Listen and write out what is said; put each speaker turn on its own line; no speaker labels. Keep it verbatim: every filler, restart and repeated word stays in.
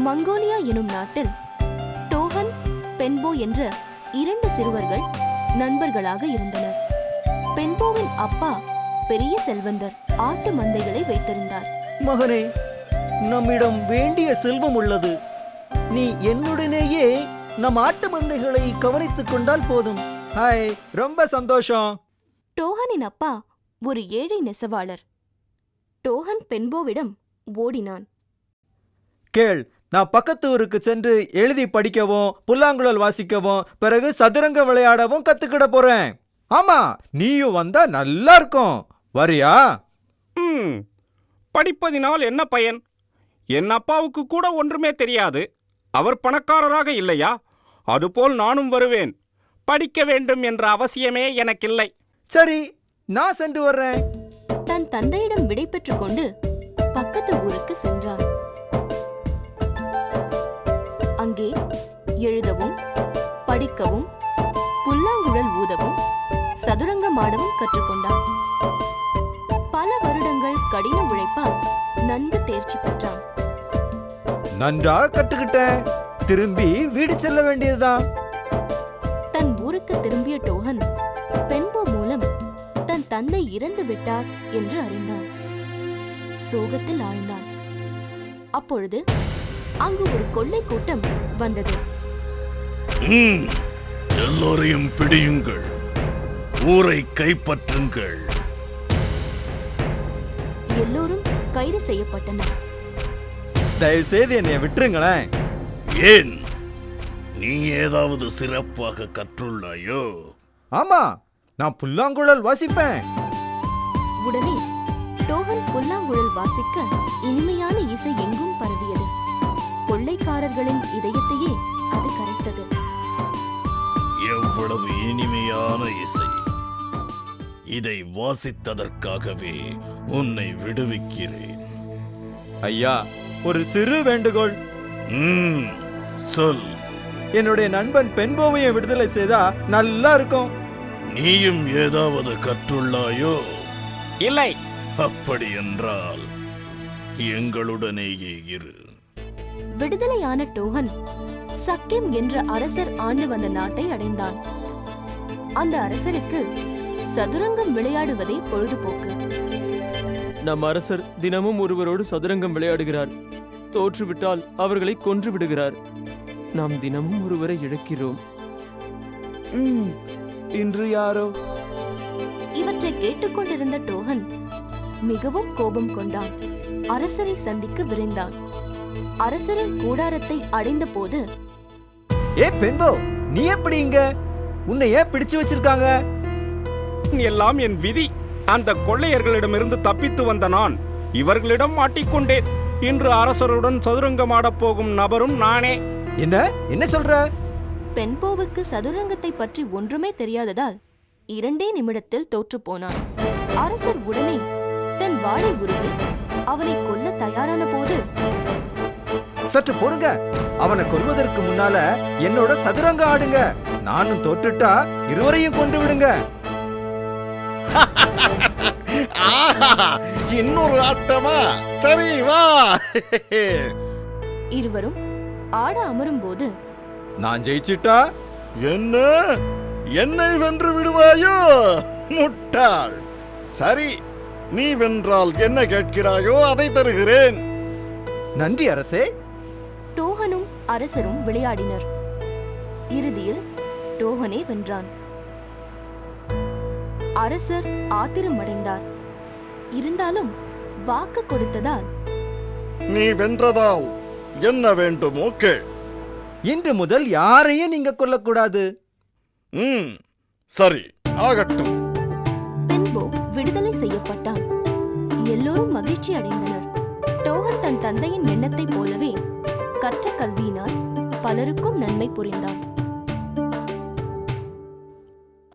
Mongolia எனும் நாட்டில் டோஹன், பென்போ என்ற இரண்டு சிறுவர்கள் நண்பர்களாக இருந்தனர். பென்போவின் அப்பா பெரிய செல்வந்தர், ஆட்டு மந்தைகளை வைத்திருந்தார்.
மகனே, நம்மிடம் வேண்டிய செல்வம் உள்ளது. நீ என்னுடனேயே நம் ஆட்டு மந்தைகளை கவனித்துக் கொண்டால் போதும். ஹாய், ரொம்ப சந்தோஷம்.
டோஹனின் அப்பா ஒரு ஏழை நெசவாளர். டோஹன் பென்போவிடம் ஓடினான்.
கேள், நான் பக்கத்து ஊருக்கு சென்று எழுதி படிக்கவும் புல்லாங்குழல் வாசிக்கவும் பிறகு சதுரங்க விளையாடவும் கத்துக்கிட போறேன். ஆமா, நீயும் வந்தா நல்லா இருக்கும். வரியா?
ம் படிப்பதினால் என்ன பயன்? என் அப்பாவுக்கு கூட ஒன்றுமே தெரியாது. அவர் பணக்காரராக இல்லையா? அதுபோல் நானும் வருவேன். படிக்க வேண்டும் என்ற அவசியமே எனக்கில்லை.
சரி, நான் சென்று வர்றேன்.
தன் தந்தையிடம் விடை பெற்றுக் கொண்டு பக்கத்து ஊருக்கு சென்றான். அங்கே எழுதவும் படிக்கவும் புல்லாங்குழல் ஊதவும் சதுரங்கம் ஆடவும் கற்றுக்கொண்டான். பல வருடங்கள் கடின உழைப்பால் நன்கு தேர்ச்சி பெற்றான்.
நன்றாக கற்றுக்கிட்டேன். திரும்பி வீடு செல்ல வேண்டியதுதான்.
தன் ஊருக்கு திரும்பிய டோஹன் பென்போ மூலம் தன் தந்தை இறந்து விட்டார் என்று அறிந்தான். சோகத்தில் ஆழ்ந்தான். அப்பொழுது அங்கு ஒரு கொள்ளை கூட்டம் வந்தது.
எல்லோரையும் பிடியுங்கள், ஊரை கைப்பற்றுங்கள்.
எல்லோரும் கைது செய்யப்பட்டனர்.
தயவு செய்து என்னை விட்டுருங்களேன்.
ஏன், நீ ஏதாவது சிறப்பாக கற்றுள்ளாயோ?
ஆமா, நான் புல்லாங்குழல் வாசிப்பேன்.
உடனே டோஹன் புல்லாங்குழல் வாசிக்க இனிமையான இசை எங்கும் பரவியது. கொள்ளைக்காரர்களின் இதயத்தையே அது கரைத்தது.
எவ்வளவு இனிமையான இசை! இதை வாசித்ததற்காகவே உன்னை விடுவிக்கிறேன்.
ஐயா, ஒரு சிறு வேண்டுகோள்.
ம், சொல்.
என்னுடைய நண்பன் பென்போவையை விடுதலை செய்தா நல்லா இருக்கும்.
நீயும் ஏதாவது கற்றுள்ளாயோ?
இல்லை.
அப்படி என்றால் எங்களுடனேயே இரு.
விடுதலையான டோஹன் சக்கிம் என்ற அரசர் ஆண்டு வந்த நாட்டை அடைந்தான். அந்த அரசருக்கு சதுரங்கம் விளையாடுவதே பொழுதுபோக்கு.
நம் அரசர் தினமும் ஒருவரோடு சதுரங்கம் விளையாடுகிறார். தோற்றுவிட்டால் அவர்களை கொன்று விடுகிறார். நாம் தினமும் ஒருவரை இழக்கிறோம். இன்று யாரோ?
இவற்றை கேட்டுக்கொண்டிருந்த டோஹன் மிகவும் கோபம் கொண்டான். அரசரை சந்திக்க விரைந்தான். அரசரின் கூடாரத்தை அடைந்த போது,
ஏ பென்போ, நீ எப்படி இங்க? உன்னை ஏன் பிடிச்சு வச்சிருக்காங்க?
எல்லாம் என் விதி. அந்த கொள்ளையர்களிடமிருந்து தப்பித்து வந்த நான் இவர்களிடம் மாட்டிக்கொண்டேன். இன்று அரசருடன் சதுரங்கம் ஆடப் போகும் நபரும் நானே.
என்ன என்ன சொல்ற?
பென்போவுக்கு சதுரங்கத்தை பற்றி ஒன்றுமே தெரியாததால் இரண்டே நிமிடத்தில் தோற்று போனான். அரசர் உடனே தன் வாளை உருவி அவனை கொல்ல தயாரான போது,
சற்று பொறுங்க, அவனை கொல்வதற்கு முன்னால என்னோட சதுரங்க ஆடுங்க. நானும் தோற்றுட்டா இருவரையும் கொண்டு விடுங்க.
இன்னொரு ஆட்டமா? சரி, வா.
இருவரும் ஆட அமரும் போது,
நான் ஜெயிச்சிட்டா
என்ன, என்னை வென்று விடுவாயோ? முட்டாள். சரி, நீ வென்றால் என்ன கேட்கிறாயோ அதை தருகிறேன்.
நன்றி அரசே.
டோஹனும் அரசரும் விளையாடினர். இறுதியில் டோஹனே வென்றான். அரசர் ஆத்திரமடைந்தார். இருந்தாலும் வாக்கு கொடுத்ததால்,
நீ வென்றதால் என்ன வேண்டுமோ கேள்.
இன்று முதல் யாரையும் நீங்க கொல்லக்கூடாது.
ம், சரி, ஆகட்டும்.
பென்போ விடுதலை செய்யப்பட்டான். எல்லோரும் மகிழ்ச்சி அடைந்தனர். டோஹன் தன் தந்தையின் எண்ணத்தைப் போலவே கற்ற கல்வியினால் பலருக்கும் நன்மை புரிந்தான்.